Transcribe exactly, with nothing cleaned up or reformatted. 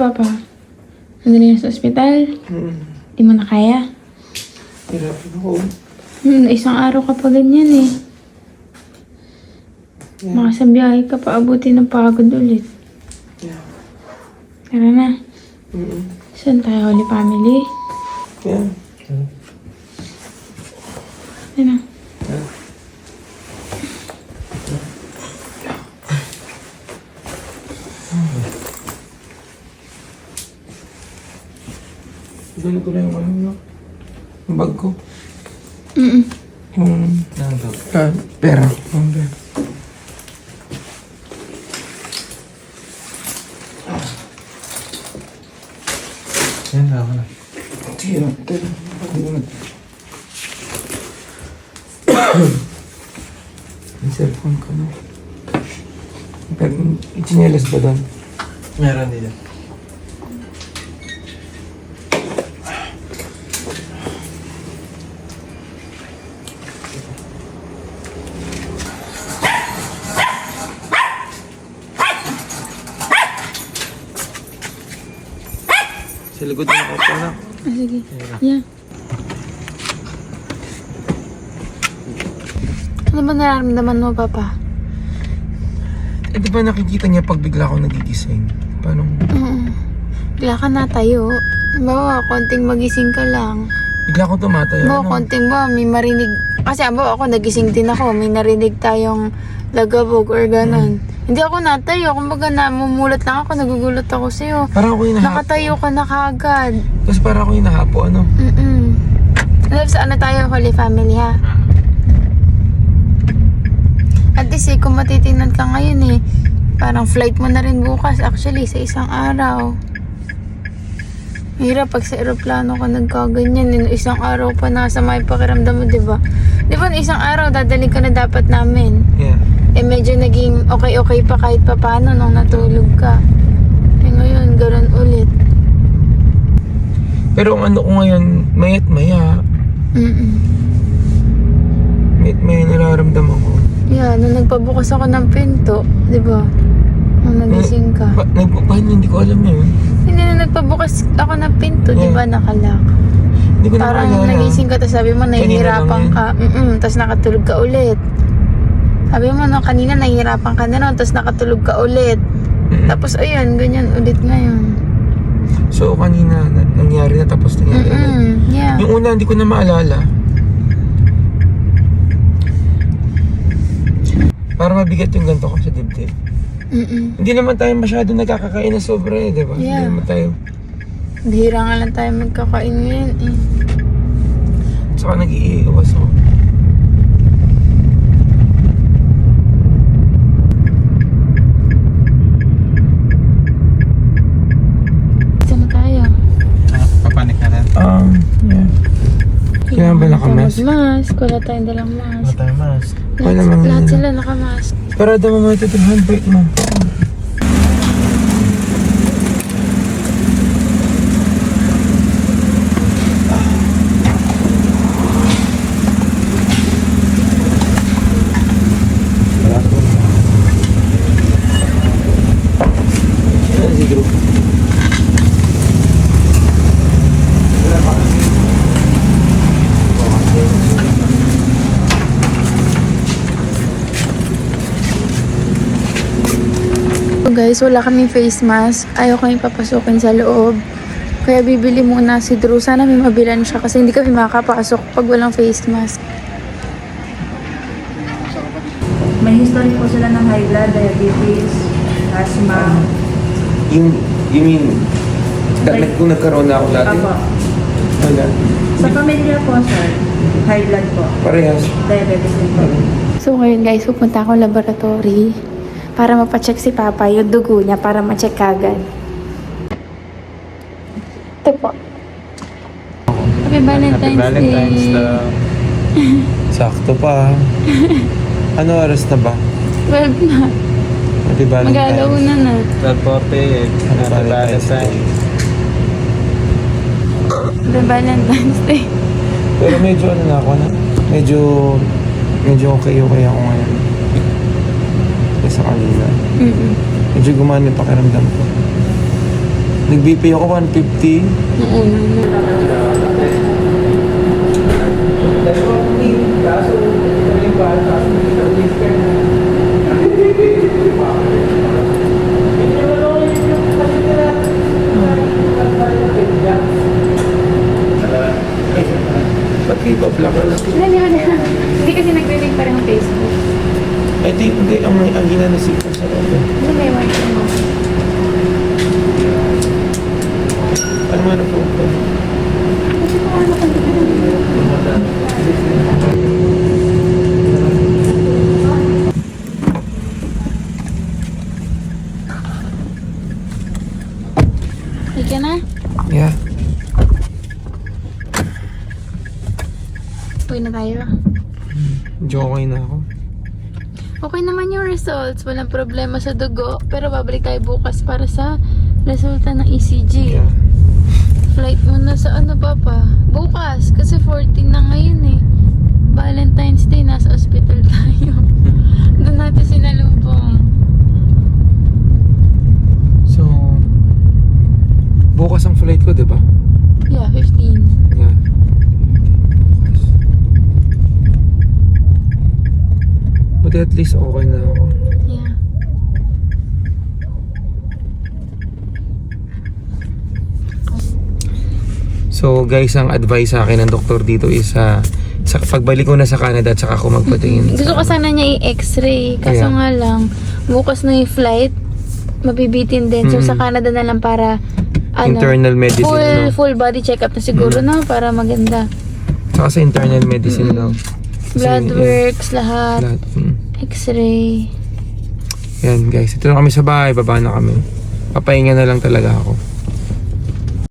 Papa? Nandali na sa ospital? Hmm. Di mo na kaya? Hirapin ako. Hmm, isang araw ka pa ganyan eh. Yeah. Baka sa biyahe ka pa abuti ng pagod ulit. Yeah. Tara na. Mm-mm. Saan tayo, Holy Family? Yeah. Ano? Yeah. Gano'n ko na yung ano, no? Yung bag ko. Mm-mm. Yung... Ano to? Ah, pera. Yung pera. Yan, ako na. Sige na. Tara. Hindi na. Yung cellphone ko, no? Pero, ichinelas ba doon? Meron dito. Sa likod na ako pa na. Ah, sige. Yeah. Ano ba nararamdaman mo, Papa? Eh, di ba nakikita niya pag bigla ako nagigising? Paano? Oo. Bigla ka na tayo. Bawa, konting magising ka lang. Bigla ako tumatayo. Bawa, ano? konting ba, may marinig. Kasi bawa ako, nagising din ako. May narinig tayong lagabog or ganon. Hmm. Hindi ako natayo. Kumbaga, namumulat lang ako. Nagugulat ako sa'yo. Parang ako yung nahapo. Nakatayo ka na kaagad. Tapos parang ako yung nahapo, ano? Mm-mm. Alam sa ano tayo, Holy Family, ha? At least eh, kung matitingnan ka ngayon eh, parang flight mo na rin bukas actually sa isang araw. Hirap pag sa aeroplano ka nagkaganyan, eh, isang araw pa nasa may pakiramdam mo, diba? Diba, isang araw dadaling ka na dapat namin. Yeah. Eh medyo naging okay-okay pa kahit pa paano nung natulog ka. Eh ngayon, gano'n ulit. Pero ang ano ko ngayon, mayat maya, Mm-mm. mayat maya nararamdaman ko. Yeah, nung nagpabukas ako ng pinto, di ba? Nung nagising ka. Pa, nagpapahin hindi ko alam yun. Hindi na nagpabukas ako ng pinto, di ba? Nakalak. Hindi ko na Parang maalala. nagising ka, tapos sabi mo, nahihirapan lang ka. Mm-mm, tapos nakatulog ka ulit. Sabi mo, no, kanina nahihirapan ka na nun, tapos nakatulog ka ulit. Mm. Tapos ayun, ganyan ulit ngayon. So kanina, na, nangyari na tapos nangyari ulit. Mm-mm, yeah. Yung una, hindi ko na maalala. Para mabigat yung ganito ko sa dibdib. Mm-mm. Hindi naman tayo masyado nagkakakain na sobra eh, di ba? Yeah. Hindi naman tayo. Bihira nga lang tayo magkakain ngayon eh. Saka nag-iiwas ako. Saan na tayo? Ah, papanik na rin. Um, yeah. Kailangan ba nakamask? Mask, wala tayong dalang mask. Wala tayong mask. Wala Lahat, man lahat nila. sila nakamask. Parada mo mga ito yung handbrake mo. Ayan si Drew. So guys, wala kaming face mask. Ayaw kami papasukin sa loob. Kaya bibili muna si Drew. Sana may mabilan siya kasi hindi kami makakapasok pag walang face mask. May history po sila ng high blood, diabetes, asthma. Yung, you mean, da, nag, kung nagkaroon na ako dati? Apo. Wala. Sa pamilya po, sir, high blood po, Parehas. diabetes din po. So ngayon guys, pupunta ako laboratory para mapacheck si Papa yung dugo niya para ma-check agad. Ito po. Happy Valentine's, Happy Valentine's Day. Day. Sakto pa. Ano oras na ba? twelve na. Happy Mag-alauna na. twelve forty-eight. Happy Valentine's Day. Happy Valentine's Day. Pero medyo ano na ako na. Medyo, medyo okay okay ako ngayon. Kaya sa kanila. Mm-mm. Medyo gumana yung pakiramdam ko. Nag-B P ako one fifty. Nung una na. Ba't kayo ba vlog? Hindi, hindi, hindi kasi nagre-link pa rin ang Facebook. I think hindi. Ang, ang ginanasip ko sa loob. Hindi, may wifi mo. Ano man po ito? Kasi kung ano ka Ika na? Yeah. Uwi na tayo. Medyo okay na ako. Okay naman yung results. Walang problema sa dugo. Pero babalik tayo bukas para sa resulta ng E C G. Yeah. Flight mo na sa ano, Papa? Bukas. Kasi fourteen na ngayon eh. Valentine's Day. Nasa hospital tayo. Doon natin sinalubong. So, bukas ang flight ko, di ba? Yeah, fifteen. Yeah. Buti at least okay na ako. Yeah. So guys, ang advice sa akin ng doktor dito is uh, sa pagbalik ko na sa Canada at saka ako magpatingin. Gusto ko sana niya i-x-ray. Kaso Kaya? nga lang, bukas na yung flight. Mabibitin din. So Mm. sa Canada na lang para ano, Internal medicine, full, no? full body check-up na siguro, Mm. no? Para maganda. Saka sa internal medicine daw. Kasi, Blood yeah, works, lahat. lahat. Mm. X-ray. Yan guys, ito na kami sa bahay, baba na kami. Papahinga na lang talaga ako.